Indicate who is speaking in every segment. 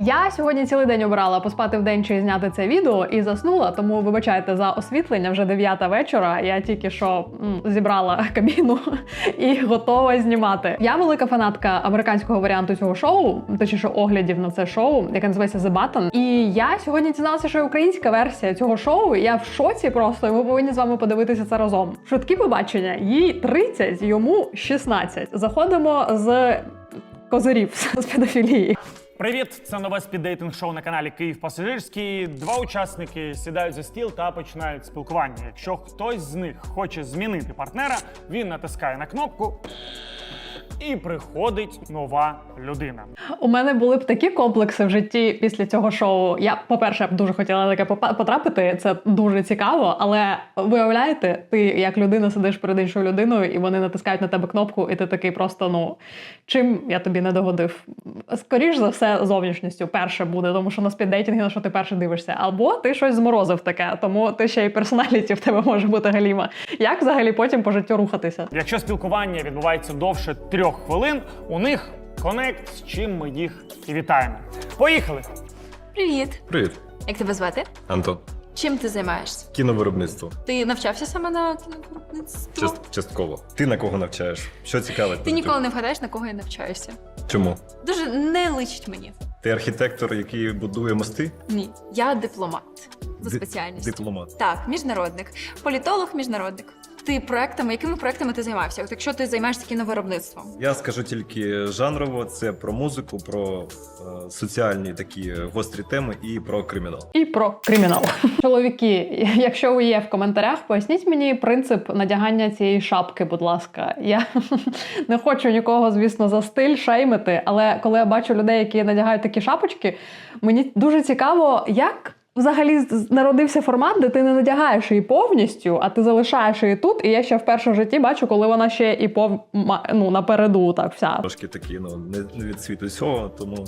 Speaker 1: Я сьогодні цілий день обирала поспати вдень чи зняти це відео і заснула, тому вибачайте за освітлення, вже 9 вечора. Я тільки що зібрала кабіну і готова знімати. Я велика фанатка американського варіанту цього шоу, точніше оглядів на це шоу, яке називається The Button. І я сьогодні дізналася, що є українська версія цього шоу. Я в шоці просто, і ми повинні з вами подивитися це разом. Швидкі побачення. Їй 30, йому 16. Заходимо з козирів, з педофілії.
Speaker 2: Привіт! Це нове спіддейтинг-шоу на каналі Київ Пасажирський. Два учасники сідають за стіл та починають спілкування. Якщо хтось з них хоче змінити партнера, він натискає на кнопку і приходить нова людина.
Speaker 1: У мене були б такі комплекси в житті після цього шоу. Я, по-перше, б дуже хотіла таке потрапити, це дуже цікаво, але виявляєте, ти як людина сидиш перед іншою людиною, і вони натискають на тебе кнопку, і ти такий просто, чим я тобі не догодив? Скоріш за все, зовнішністю перше буде, тому що на спіддейтингі, на що ти перше дивишся. Або ти щось зморозив таке, тому ти ще й персоналіті в тебе може бути галіма. Як взагалі потім по життю рухатися?
Speaker 2: Якщо спілкування відбувається довше 3 хвилин, у них конект, з чим ми їх і вітаємо. Поїхали!
Speaker 3: Привіт!
Speaker 4: Привіт,
Speaker 3: Як тебе звати?
Speaker 4: Антон.
Speaker 3: Чим ти займаєшся?
Speaker 4: Кіновиробництво.
Speaker 3: Ти навчався саме на кіновиробництво?
Speaker 4: Частково. Ти на кого навчаєш? Що цікавить?
Speaker 3: Ти ніколи не вгадаєш, на кого я навчаюся.
Speaker 4: Чому?
Speaker 3: Дуже не личить мені.
Speaker 4: Ти архітектор, який будує мости?
Speaker 3: Ні. Я дипломат за спеціальністю.
Speaker 4: Дипломат.
Speaker 3: Так, міжнародник. Політолог, міжнародник. Якими проектами ти займався? От якщо ти займаєшся кіновиробництвом?
Speaker 4: Я скажу тільки жанрово, це про музику, про соціальні такі гострі теми і про кримінал.
Speaker 1: І про кримінал. Чоловіки, якщо ви є в коментарях, поясніть мені принцип надягання цієї шапки, будь ласка. Я не хочу нікого, звісно, за стиль шеймити, але коли я бачу людей, які надягають такі шапочки, мені дуже цікаво, як взагалі народився формат, де ти не надягаєш її повністю, а ти залишаєш її тут, і я ще вперше в житті бачу, коли вона ще і напереду, так, вся.
Speaker 4: Трошки такі, не від світу цього, тому...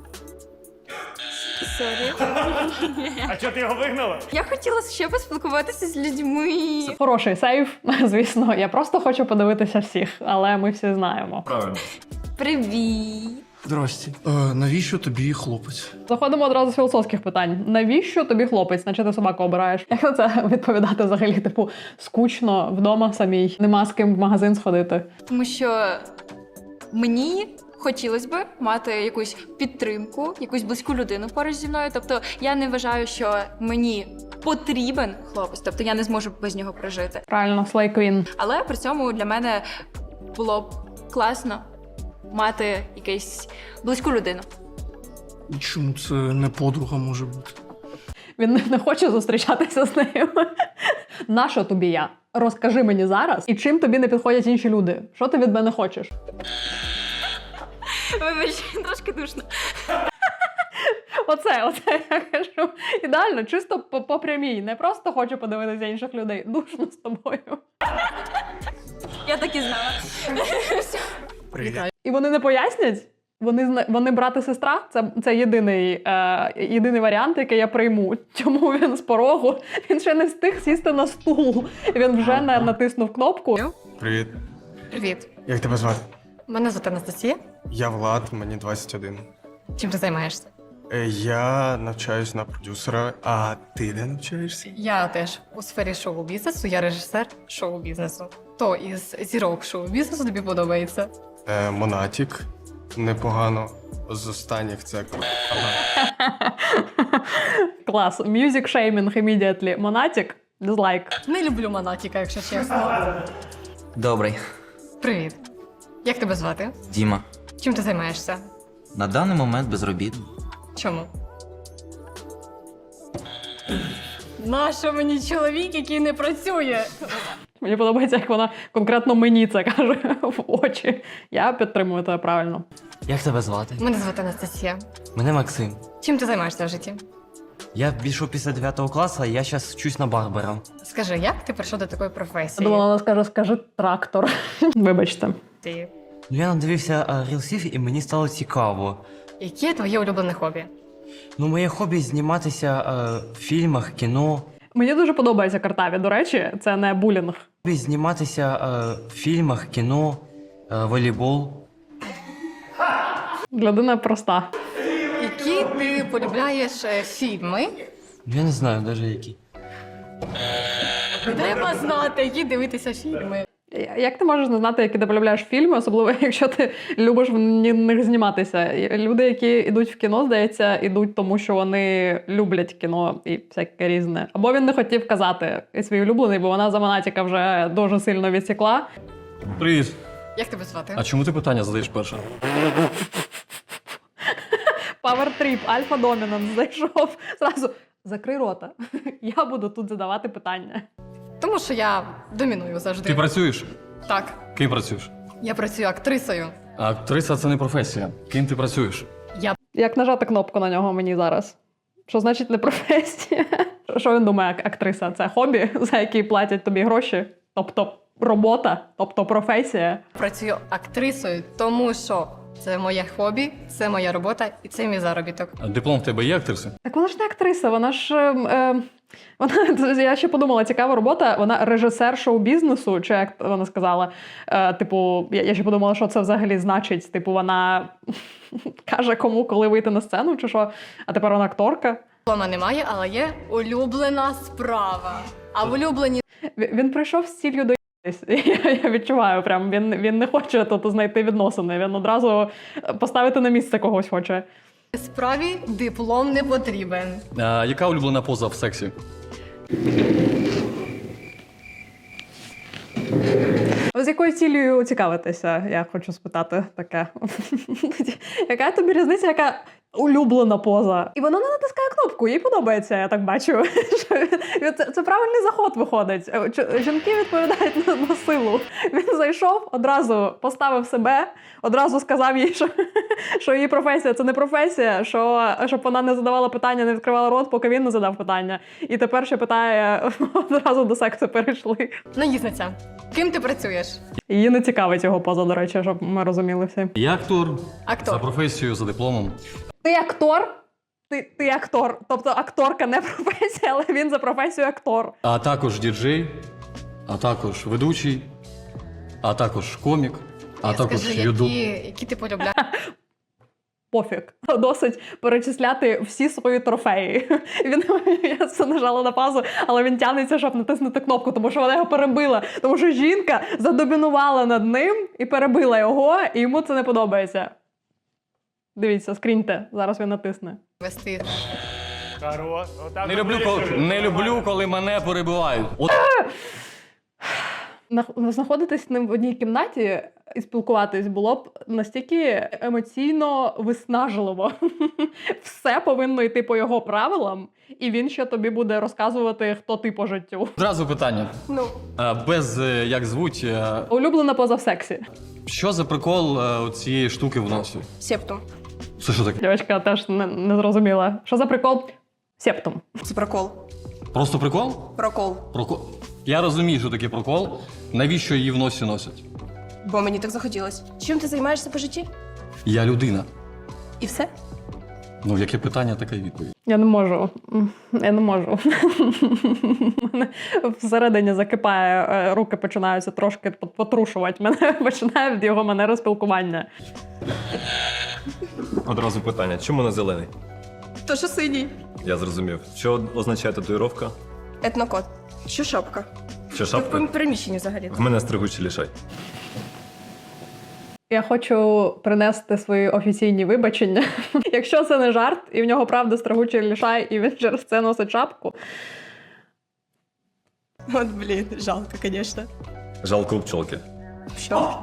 Speaker 3: Сорі.
Speaker 2: А чого ти його вигнала?
Speaker 3: Я хотіла ще поспілкуватися з людьми.
Speaker 1: Хороший сейф, звісно. Я просто хочу подивитися всіх, але ми всі знаємо.
Speaker 4: Правильно.
Speaker 3: Привіт.
Speaker 5: Здрасте. Навіщо тобі хлопець?
Speaker 1: Заходимо одразу з філософських питань. Навіщо тобі хлопець? Наче ти собаку обираєш? Як на це відповідати взагалі? Типу, скучно, вдома самій, нема з ким в магазин сходити.
Speaker 3: Тому що мені хотілося б мати якусь підтримку, якусь близьку людину поруч зі мною. Тобто я не вважаю, що мені потрібен хлопець, тобто я не зможу без нього прожити.
Speaker 1: Правильно, Slay Queen.
Speaker 3: Але при цьому для мене було б класно мати якусь близьку людину.
Speaker 5: І чому це не подруга може бути?
Speaker 1: Він не хоче зустрічатися з нею. Нащо тобі я? Розкажи мені зараз, і чим тобі не підходять інші люди? Що ти від мене хочеш?
Speaker 3: Вибач, трошки душно.
Speaker 1: Оце я кажу. Ідеально, чисто по прямій. Не просто хочу подивитися інших людей. Душно з тобою.
Speaker 3: Я так і знала.
Speaker 5: Привіт.
Speaker 1: І вони не пояснять? Вони брат і сестра? Це єдиний варіант, який я прийму. Чому він з порогу? Він ще не встиг сісти на стул. Він вже натиснув кнопку.
Speaker 5: Привіт.
Speaker 6: Привіт.
Speaker 5: Як тебе звати?
Speaker 6: Мене звати Анастасія.
Speaker 5: Я Влад, мені 21.
Speaker 6: Чим ти займаєшся?
Speaker 5: Я навчаюсь на продюсера, а ти де навчаєшся?
Speaker 6: Я теж у сфері шоу-бізнесу, я режисер шоу-бізнесу. То із зірок шоу-бізнесу тобі подобається?
Speaker 5: Монатік. Непогано. З останніх це
Speaker 1: Клас. Music shaming immediately. Монатік? Дизлайк.
Speaker 6: Не люблю Монатіка, якщо чесно.
Speaker 7: Добрий.
Speaker 6: Привіт. Як тебе звати?
Speaker 7: Діма.
Speaker 6: Чим ти займаєшся?
Speaker 7: На даний момент безробітний.
Speaker 6: Чому? Нащо мені чоловік, який не працює?
Speaker 1: Мені подобається, як вона конкретно мені це каже в очі. Я підтримую тебе правильно.
Speaker 7: Як тебе звати?
Speaker 6: Мене звати Анастасія.
Speaker 7: Мене Максим.
Speaker 6: Чим ти займаєшся в житті?
Speaker 7: Я пішов після 9 класу, а я зараз вчусь на барбера.
Speaker 6: Скажи, як ти прийшов до такої
Speaker 1: Я
Speaker 6: професії?
Speaker 1: думала, вона скаже трактор. Вибачте.
Speaker 6: Ти.
Speaker 7: Я надивився рілсів і мені стало цікаво.
Speaker 6: Яке твоє улюблене хобі?
Speaker 7: Моє хобі зніматися в фільмах, кіно.
Speaker 1: Мені дуже подобається Картаві, до речі, це не булінг.
Speaker 7: Хобі зніматися в фільмах, кіно, волейбол.
Speaker 1: Людина проста.
Speaker 6: Який ти полюбляєш фільми.
Speaker 7: Я не знаю навіть які.
Speaker 6: Треба знати, які дивитися фільми.
Speaker 1: Як ти можеш не знати, які ти полюбляєш фільми, особливо якщо ти любиш в них зніматися? Люди, які йдуть в кіно, здається, йдуть тому, що вони люблять кіно і всяке різне. Або він не хотів казати свій улюблений, бо вона за Монатіка вже дуже сильно відсікла.
Speaker 8: Привіт.
Speaker 6: Як тебе звати?
Speaker 8: А чому ти питання задаєш перше?
Speaker 1: Power Trip, Альфа Домінанс зайшов. Зразу закрий рота. Я буду тут задавати питання.
Speaker 6: Тому що я доміную завжди.
Speaker 8: Ти працюєш?
Speaker 6: Так,
Speaker 8: Ким працюєш?
Speaker 6: я працюю актрисою.
Speaker 8: А актриса це не професія. Ким ти працюєш?
Speaker 1: Як нажати кнопку на нього мені зараз? Що значить не професія? Що він думає, актриса? Це хобі, за який платять тобі гроші? Тобто робота, тобто професія.
Speaker 6: Працюю актрисою, тому що це моє хобі, це моя робота і це мій заробіток.
Speaker 8: А диплом в тебе є актриси?
Speaker 1: Так вона ж не актриса, вона ж. Вона, я ще подумала, цікава робота, вона режисер шоу-бізнесу, чи як вона сказала. Типу, я ще подумала, що це взагалі значить. Типу, вона каже кому, коли вийти на сцену, чи що. А тепер вона акторка.
Speaker 6: Диплома немає, але є улюблена справа. А в улюбленій
Speaker 1: Він прийшов з ціллю доїтись. Я відчуваю, прям він не хоче тут знайти відносини. Він одразу поставити на місце когось хоче.
Speaker 6: справі диплом не потрібен.
Speaker 8: А яка улюблена поза в сексі?
Speaker 1: З якою цілею цікавитися, я хочу спитати таке. Яка тобі різниця, яка улюблена поза? І вона не натискає кнопку, їй подобається, я так бачу. Це правильний заход виходить. Жінки відповідають на силу. Він зайшов, одразу поставив себе, одразу сказав їй, що її професія – це не професія, щоб вона не задавала питання, не відкривала рот, поки він не задав питання. І тепер ще питає, одразу до сексу перейшли.
Speaker 6: Наїзниця. Ким ти працюєш?
Speaker 1: Її не цікавить його поза, до речі, щоб ми розуміли всі.
Speaker 8: Я актор.
Speaker 6: Актор.
Speaker 8: За професією, за дипломом.
Speaker 1: Ти актор? Ти актор. Тобто акторка не професія, але він за професію актор.
Speaker 8: А також діджей, а також ведучий, а також комік, а також
Speaker 6: Скажи,
Speaker 8: юду.
Speaker 6: які ти полюбляєш?
Speaker 1: Пофіг. Досить перечисляти всі свої трофеї. Я це нажала на паузу, але він тягнеться, щоб натиснути кнопку, тому що вона його перебила. Тому що жінка задомінувала над ним і перебила його, і йому це не подобається. Дивіться, скріньте. Зараз він натисне.
Speaker 6: Вести.
Speaker 8: Не люблю, коли мене перебивають. От
Speaker 1: Знаходитись з ним в одній кімнаті і спілкуватись було б настільки емоційно виснажливо. Все повинно йти по його правилам, і він ще тобі буде розказувати, хто ти по життю.
Speaker 8: одразу питання. Без як звуть.
Speaker 1: Улюблена поза в сексі.
Speaker 8: Що за прикол цієї штуки в носі?
Speaker 9: Септум.
Speaker 8: Це що таке?
Speaker 1: Дівчинка теж не зрозуміла. Що за прикол? Септум.
Speaker 9: Це прокол.
Speaker 8: Просто прикол?
Speaker 9: Прокол.
Speaker 8: Прокол. Я розумію, що таке прокол. Навіщо її в носі носять?
Speaker 9: Бо мені так захотілось. Чим ти займаєшся по житті?
Speaker 8: Я людина.
Speaker 9: І все?
Speaker 8: Ну, яке питання, така й відповідь.
Speaker 1: Я не можу. Я не можу. Мене всередині закипає, руки починаються трошки потрушувати. Мене починає від його манери спілкування.
Speaker 4: Одразу питання, чому не зелений?
Speaker 9: То що синій?
Speaker 4: Я зрозумів. Що означає татуїровка?
Speaker 9: Етнокод. Що шапка?
Speaker 4: Що
Speaker 9: Ти
Speaker 4: шапка?
Speaker 9: в приміщенні взагалі.
Speaker 4: В мене стригучий лішай.
Speaker 1: Я хочу принести свої офіційні вибачення. Якщо це не жарт, і в нього правда стригучий лішай, і він через це носить шапку.
Speaker 9: От, блін, жалко, звісно.
Speaker 4: Жалко у пчолки.
Speaker 9: Що?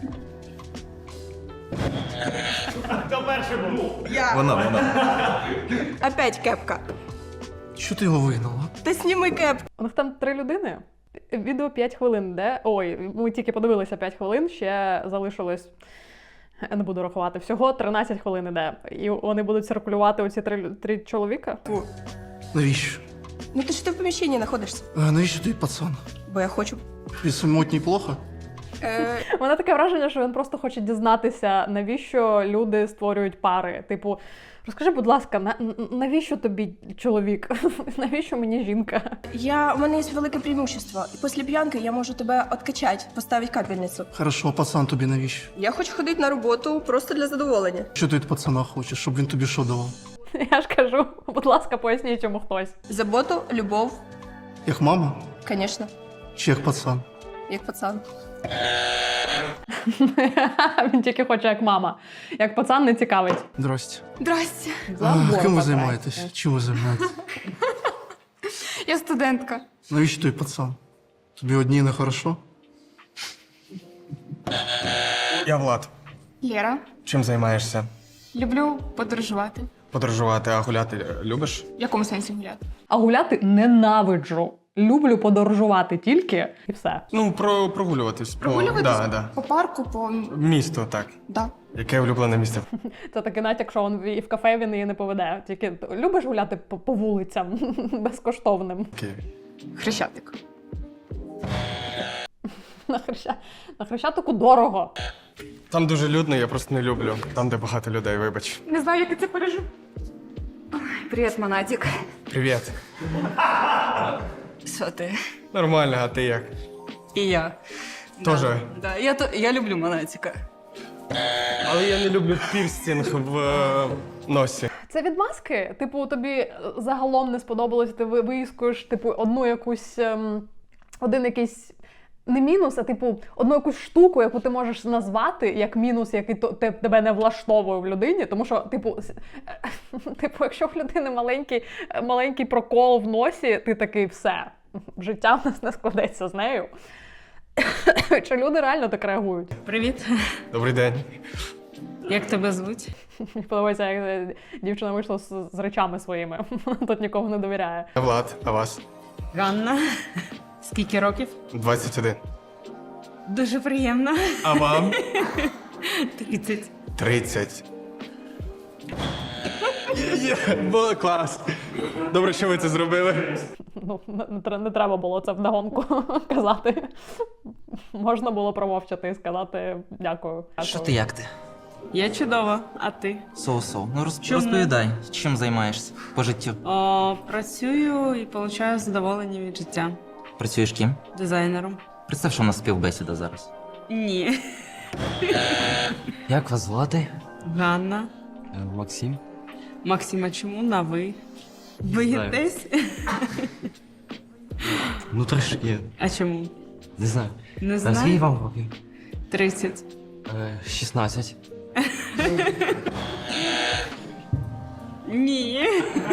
Speaker 4: Вона.
Speaker 9: Опять кепка.
Speaker 5: Що ти його вигнала?
Speaker 9: Та сніми кепку.
Speaker 1: У них там 3 людини. Відео 5 хвилин, де? Ой, ми тільки подивилися 5 хвилин, ще залишилось, я не буду рахувати, всього 13 хвилин іде. І вони будуть циркулювати оці 3 чоловіка.
Speaker 5: Навіщо?
Speaker 9: Ну ти ж ти в приміщенні знаходишся.
Speaker 5: Навіщо ти пацан?
Speaker 9: Бо я хочу.
Speaker 5: Тобі самотній плохо?
Speaker 1: У мене таке враження, що він просто хоче дізнатися, навіщо люди створюють пари. Типу, розкажи, будь ласка, навіщо тобі чоловік? Навіщо мені жінка?
Speaker 9: У мене є велике преимущество. І після п'янки я можу тебе откачати, поставити капельницю.
Speaker 5: Хорошо, пацан тобі навіщо?
Speaker 9: Я хочу ходити на роботу просто для задоволення.
Speaker 5: Що ти від пацана хочеш, щоб він тобі що давав?
Speaker 1: Я ж кажу, будь ласка, поясніть йому хтось.
Speaker 9: Заботу, любов,
Speaker 5: Як мама?
Speaker 9: звісно,
Speaker 5: Чи як пацан?
Speaker 9: як пацан.
Speaker 1: Він тільки хоче як мама. Як пацан не цікавить.
Speaker 5: Здрасте.
Speaker 9: Здрасте.
Speaker 5: Ким ви займаєтесь? Чим ви займаєтесь?
Speaker 9: Я студентка.
Speaker 5: Навіщо той пацан? Тобі одній не хорошо? Я Влад.
Speaker 9: Лєра.
Speaker 5: Чим займаєшся?
Speaker 9: Люблю подорожувати.
Speaker 5: Подорожувати, а гуляти любиш?
Speaker 9: В якому сенсі гуляти?
Speaker 1: А гуляти ненавиджу. Люблю подорожувати тільки і все.
Speaker 5: Ну, прогулюватись.
Speaker 9: Прогулюватись?
Speaker 5: Да.
Speaker 9: По парку, по...
Speaker 5: Місто, так.
Speaker 9: Да.
Speaker 5: Яке улюблене місце?
Speaker 1: Це такий натяк, що і в кафе він її не поведе. Тільки любиш гуляти по вулицям безкоштовним.
Speaker 5: Києві.
Speaker 9: Хрещатик.
Speaker 1: На Хрещатику дорого.
Speaker 5: Там дуже людно, я просто не люблю. Там, де багато людей, вибач.
Speaker 9: Не знаю, як я це пережив. Привіт, Монатік.
Speaker 5: Привіт.
Speaker 10: Що ти?
Speaker 5: Нормально, а ти як?
Speaker 10: І я.
Speaker 5: Тоже.
Speaker 10: Да. Я люблю Монатіка.
Speaker 5: Але я не люблю пірстінг в носі.
Speaker 1: Це відмазки? Типу, тобі загалом не сподобалось, ти виїскуєш, типу, одну якусь, один якийсь, не мінус, а типу, одну якусь штуку, яку ти можеш назвати як мінус, який тебе не влаштовує в людині, тому що, типу, якщо в людини маленький прокол в носі, ти такий, все, життя в нас не складеться з нею. Чи люди реально так реагують?
Speaker 10: Привіт.
Speaker 5: Добрий день.
Speaker 10: Як тебе звуть?
Speaker 1: Мені подобається, як дівчина вийшла з речами своїми. Тут нікому не довіряє.
Speaker 5: Я Влад, а вас?
Speaker 10: Ганна. Скільки років?
Speaker 5: 21.
Speaker 10: Дуже приємно.
Speaker 5: А вам?
Speaker 10: 30.
Speaker 5: 30. Було клас. Добре, що ви це зробили.
Speaker 1: Ну, не треба було це вдогонку казати. Можна було промовчати і сказати дякую.
Speaker 7: Що ти, як ти?
Speaker 10: Я чудова, а ти?
Speaker 7: Соу-соу. Ну
Speaker 10: Чому?
Speaker 7: розповідай, чим займаєшся по життю?
Speaker 10: Працюю і отримую задоволення від життя.
Speaker 7: Працюєш ким?
Speaker 10: Дизайнером.
Speaker 7: Представ, що у нас співбесіда зараз.
Speaker 10: Ні.
Speaker 7: Як вас звати?
Speaker 10: Ганна.
Speaker 8: Максим.
Speaker 10: Максима, чому на ви? Боїтесь?
Speaker 8: Ну трошки,
Speaker 10: А чому?
Speaker 8: не знаю.
Speaker 10: Не
Speaker 7: Скільки
Speaker 10: знаю.
Speaker 7: вам років?
Speaker 10: 30.
Speaker 8: 16.
Speaker 10: Ні.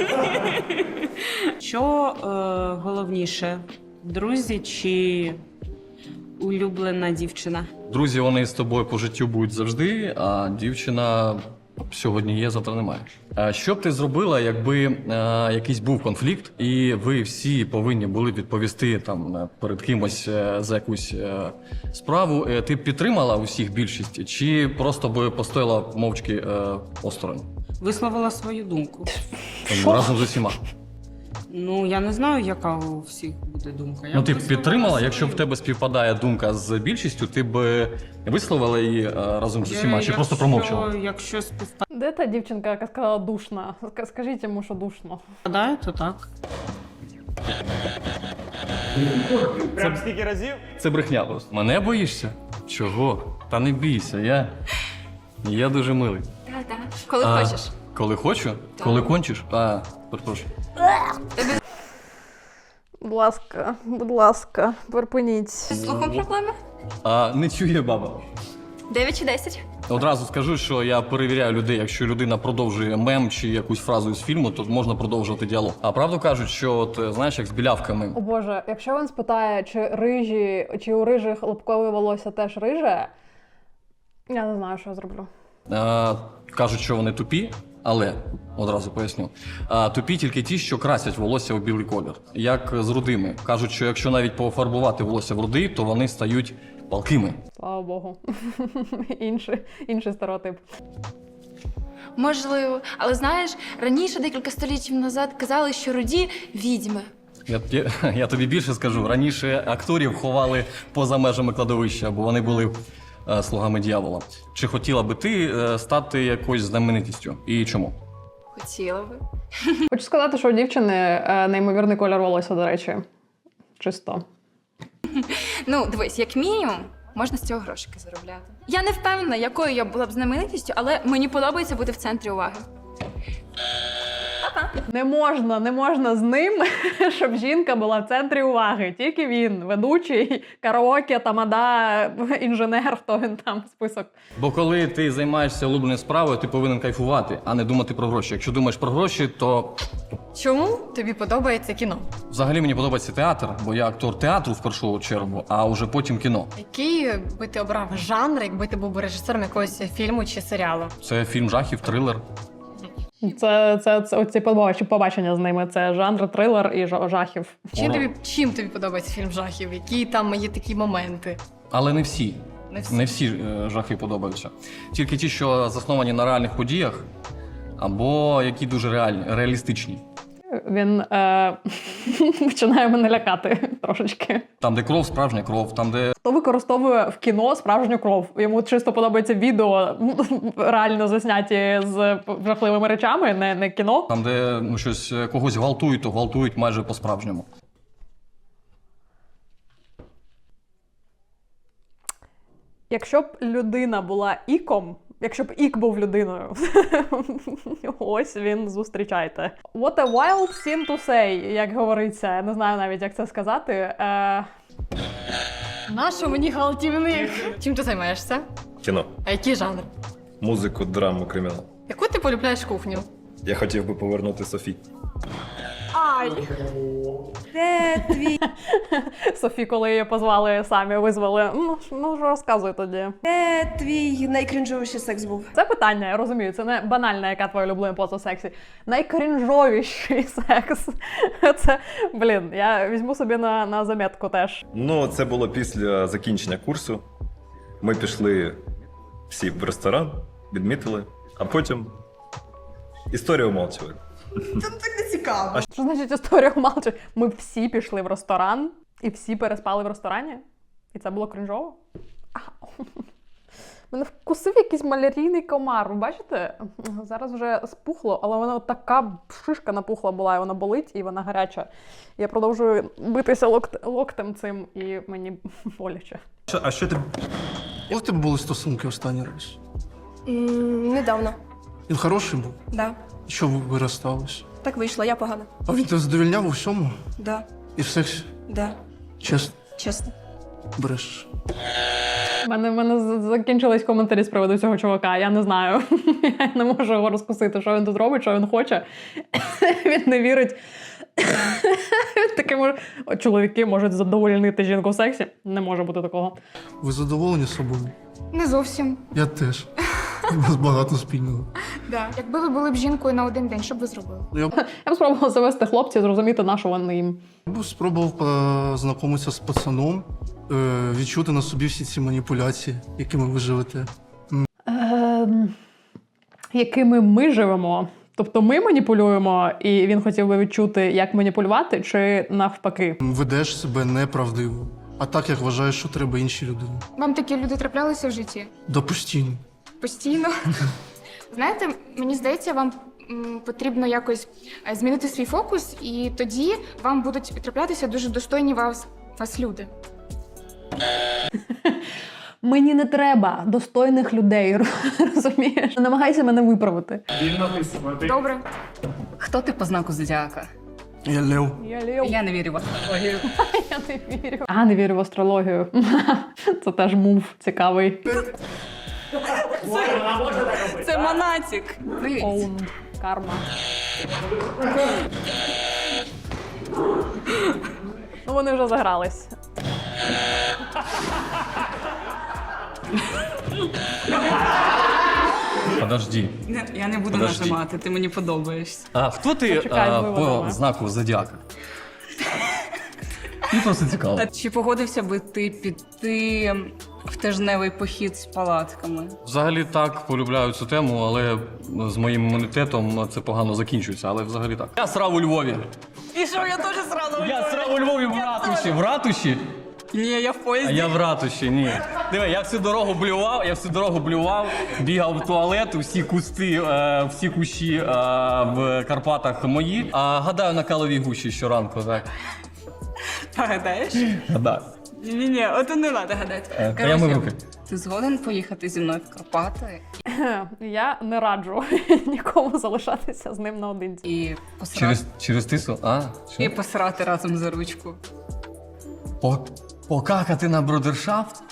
Speaker 10: Що головніше? Друзі чи улюблена дівчина?
Speaker 8: Друзі, вони з тобою по життю будуть завжди, а дівчина сьогодні є, завтра немає. Що б ти зробила, якби якийсь був конфлікт, і ви всі повинні були відповісти там перед кимось за якусь справу? Ти б підтримала усіх більшість, чи просто би постояла мовчки осторонь?
Speaker 10: Висловила свою думку.
Speaker 8: Там, разом з усіма.
Speaker 10: Ну, я не знаю, яка у всіх буде думка. Я
Speaker 8: Ну, ти б
Speaker 10: висловила
Speaker 8: підтримала, якщо в
Speaker 10: свою.
Speaker 8: тебе співпадає думка з більшістю, ти б висловила її разом з усіма, чи
Speaker 10: Якщо-
Speaker 8: просто промовчала?
Speaker 10: Якщо співпадає,
Speaker 1: Де та дівчинка, яка сказала душна? Скажіть йому, що душно.
Speaker 10: то так.
Speaker 2: Прям стільки разів?
Speaker 8: Це брехня просто. Мене боїшся? Чого? Та не бійся, я дуже милий.
Speaker 3: Так. Коли хочеш.
Speaker 8: Коли хочу? Коли кончиш? Перепрошую.
Speaker 1: Будь ласка, припиніть.
Speaker 3: З слухом проблеми?
Speaker 8: Не чує баба.
Speaker 3: 9 чи 10?
Speaker 8: Одразу скажу, що я перевіряю людей. Якщо людина продовжує мем чи якусь фразу з фільму, то можна продовжувати діалог. А правду кажуть, що от знаєш, як з білявками.
Speaker 1: О Боже, якщо він спитає, чи у рижих лобкове волосся теж риже, я не знаю, що я зроблю.
Speaker 8: Кажуть, що вони тупі, але одразу поясню. Тупі тільки ті, що красять волосся у білий колір. Як з рудими. Кажуть, що якщо навіть пофарбувати волосся в рудий, то вони стають палкими.
Speaker 1: Слава Богу. Інший стереотип.
Speaker 3: Можливо. Але знаєш, раніше, декілька століттів назад, казали, що руді – відьми.
Speaker 8: Я тобі більше скажу. Раніше акторів ховали поза межами кладовища, бо вони були слугами дьявола. Чи хотіла би ти стати якоюсь знаменитістю? І чому?
Speaker 3: Хотіла би.
Speaker 1: Хочу сказати, що у дівчини неймовірний колір волосся, до речі. Чисто.
Speaker 3: Ну, дивись, як мінімум, можна з цього грошики заробляти. Я не впевнена, якою я була б знаменитістю, але мені подобається бути в центрі уваги.
Speaker 1: Не можна з ним, щоб жінка була в центрі уваги. Тільки він, ведучий, караоке, тамада, інженер, хто він там, список.
Speaker 8: Бо коли ти займаєшся улюбленою справою, ти повинен кайфувати, а не думати про гроші. Якщо думаєш про гроші, то
Speaker 6: Чому тобі подобається кіно?
Speaker 8: взагалі мені подобається театр, бо я актор театру в першу чергу, а вже потім кіно.
Speaker 6: Який би ти обрав жанр, якби ти був режисером якогось фільму чи серіалу?
Speaker 8: Це фільм жахів, трилер.
Speaker 1: Це оці побачення з ними. Це жанр трилер і жахів.
Speaker 6: Чим тобі подобається фільм жахів? Які там є такі моменти?
Speaker 8: Але не всі.
Speaker 6: Не всі.
Speaker 8: Не всі жахи подобаються. Тільки ті, що засновані на реальних подіях, або які дуже реалістичні.
Speaker 1: Він починає мене лякати трошечки.
Speaker 8: Там, де кров, справжня кров, там, де
Speaker 1: Хто використовує в кіно справжню кров? Йому чисто подобається відео, реально засняті з жахливими речами, не кіно.
Speaker 8: там, де щось когось гвалтують, то гвалтують майже по-справжньому.
Speaker 1: Якщо б людина була іком, якщо б ік був людиною, ось він, зустрічайте. What a wild thing to say, як говориться. Я не знаю навіть, як це сказати.
Speaker 6: Нащо мені галтівник? Чим ти займаєшся?
Speaker 4: Кіно,
Speaker 6: А який жанр?
Speaker 4: музику, драму, кримінал.
Speaker 6: Яку ти полюбляєш кухню?
Speaker 4: Я хотів би повернути Софі.
Speaker 1: Софі, коли її позвали, самі визвали. Ну ж розказуй тоді.
Speaker 9: Де твій найкрінжовіший секс був?
Speaker 1: Це питання, я розумію, це не банальна, яка твоя улюблена поза в сексі. Найкрінжовіший секс. Це, я візьму собі на замітку теж.
Speaker 4: Ну, це було після закінчення курсу. Ми пішли всі в ресторан, відмітили, а потім історія умовчували.
Speaker 1: Що значить історія умалчує? Ми всі пішли в ресторан і всі переспали в ресторані? І це було крінжово? Мене вкусив якийсь малярійний комар. Ви бачите? Зараз вже спухло, але вона така шишка напухла була, і вона болить, і вона гаряча. Я продовжую битися локтем цим, і мені боляче.
Speaker 5: А що ти. Коли в тебе були стосунки останній раз?
Speaker 9: Недавно.
Speaker 5: Він хороший був?
Speaker 9: Да.
Speaker 5: Що ви розстались?
Speaker 9: Так вийшло, я погана.
Speaker 5: А він тебе задовільняв у всьому?
Speaker 9: Да.
Speaker 5: І в сексі?
Speaker 9: Да.
Speaker 5: Чесно,
Speaker 9: Чесно.
Speaker 5: бреш.
Speaker 1: У мене закінчились коментарі з приводу цього чувака. Я не знаю. Я не можу його розкусити, що він тут робить, що він хоче. Він не вірить. Таке чоловіки можуть задовольнити жінку в сексі. Не може бути такого.
Speaker 5: Ви задоволені собою?
Speaker 11: Не зовсім.
Speaker 5: Я теж. У нас багато спільного.
Speaker 11: Да. Якби ви були б жінкою на один день, що б ви зробили?
Speaker 5: Я
Speaker 1: Я б спробувала завести хлопців, зрозуміти, на що вони їм.
Speaker 5: б спробував познайомитися з пацаном, відчути на собі всі ці маніпуляції, якими ви живете.
Speaker 1: Якими ми живемо. Тобто ми маніпулюємо, і він хотів би відчути, як маніпулювати, чи навпаки.
Speaker 5: Ведеш себе неправдиво, а так, як вважаєш, що треба іншій людині.
Speaker 11: Вам такі люди траплялися в житті?
Speaker 5: Да постійно.
Speaker 11: Постійно? Знаєте, мені здається, вам потрібно якось змінити свій фокус, і тоді вам будуть траплятися дуже достойні вас люди.
Speaker 1: Мені не треба достойних людей, розумієш? Намагайся мене виправити.
Speaker 11: Добре.
Speaker 10: Хто ти по знаку зодіака?
Speaker 5: Я Лев.
Speaker 1: Я Лев.
Speaker 10: Я не вірю в астрологію.
Speaker 1: Я не вірю. Не вірю в астрологію. Це теж мув цікавий.
Speaker 10: Це монатік.
Speaker 1: Оун. Карма. Ну, вони вже загрались.
Speaker 8: Подожди.
Speaker 10: Я не буду
Speaker 8: Подожди.
Speaker 10: нажимати, ти мені подобаєшся.
Speaker 8: А хто ти
Speaker 1: Почекай з
Speaker 8: по
Speaker 1: виводами.
Speaker 8: знаку зодіака? Мені просто цікаво.
Speaker 10: Чи погодився би ти піти в тижневий похід з палатками?
Speaker 8: Взагалі так, полюбляю цю тему, але з моїм імунітетом це погано закінчується, але взагалі так. Я срав у Львові.
Speaker 10: І що, я теж сразу?
Speaker 8: Я срав у Львові в ратуші. В ратуші?
Speaker 10: Ні, я в
Speaker 8: А
Speaker 10: поїзді.
Speaker 8: я в ратуші, ні. Диви, я всю дорогу блював, бігав в туалет, всі кусти, всі кущі в Карпатах мої. А гадаю на каловій гущі щоранку, так.
Speaker 10: Гадаєш?
Speaker 8: Гадаю.
Speaker 10: Ні, от не треба гадати.
Speaker 8: Та я мив руки.
Speaker 10: Ти згоден поїхати зі мною в Карпати
Speaker 1: Я не раджу нікому залишатися з ним наодинці.
Speaker 10: і посрати,
Speaker 8: Через тису? А,
Speaker 10: і
Speaker 8: що?
Speaker 10: посрати разом за ручку?
Speaker 8: Покакати на брудершафт?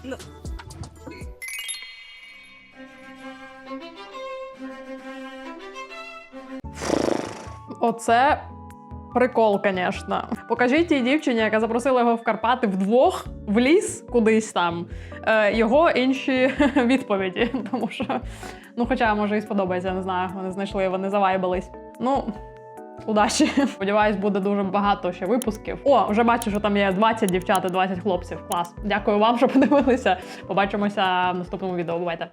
Speaker 1: Оце прикол, звісно. Покажіть тій дівчині, яка запросила його в Карпати вдвох в ліс кудись там, його інші відповіді. Тому що, ну, хоча, може, і сподобається, я не знаю. Вони знайшли, вони завайбались. Ну, удачі. Сподіваюсь, буде дуже багато ще випусків. О, вже бачу, що там є 20 дівчат і 20 хлопців. Клас. Дякую вам, що подивилися. Побачимося в наступному відео. Бувайте.